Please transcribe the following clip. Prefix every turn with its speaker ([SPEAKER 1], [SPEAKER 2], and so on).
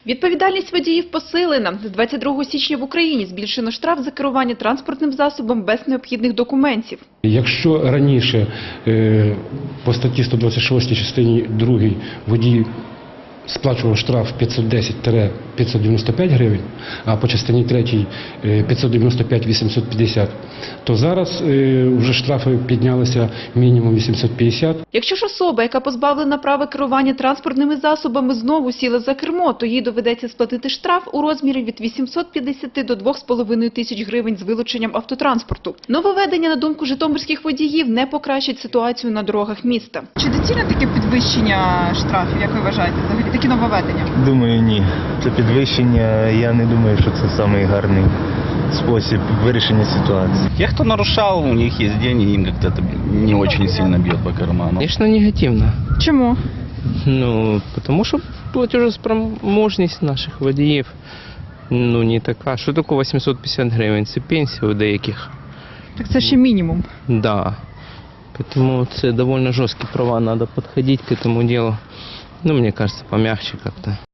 [SPEAKER 1] Відповідальність водіїв посилена. З 22 січня в Україні збільшено штраф за керування транспортним засобом без необхідних документів.
[SPEAKER 2] Якщо раніше по статті 126 частині 2 водій сплачував штраф 510-595 гривень, а по частині 3 595-850, то зараз вже штрафи піднялися мінімум 850.
[SPEAKER 1] Якщо ж особа, яка позбавлена права керування транспортними засобами, знову сіла за кермо, то їй доведеться сплатити штраф у розмірі від 850 до 2,5 тисяч гривень з вилученням автотранспорту. Нововведення, на думку житомирських водіїв, не покращить ситуацію на дорогах міста. Чи доцільне таке підвищення штрафів, як ви вважаєте, взагалі, такі нововведення?
[SPEAKER 3] Думаю, ні. Це підвищення, я не думаю, що це самий гарний спосіб вирішення ситуації.
[SPEAKER 4] Те, кто нарушал, у них есть деньги, им как-то это не очень сильно бьет по карману.
[SPEAKER 5] Конечно, негативно.
[SPEAKER 1] Чому?
[SPEAKER 5] Ну, потому что платежеспроможність наших водіїв не така. Що таке 850 гривень? Це пенсія у деяких.
[SPEAKER 1] Так це ще мінімум.
[SPEAKER 5] Да. Поэтому це довольно жорсткі права, надо подходить к этому делу. Ну, мне кажется, помягче как-то.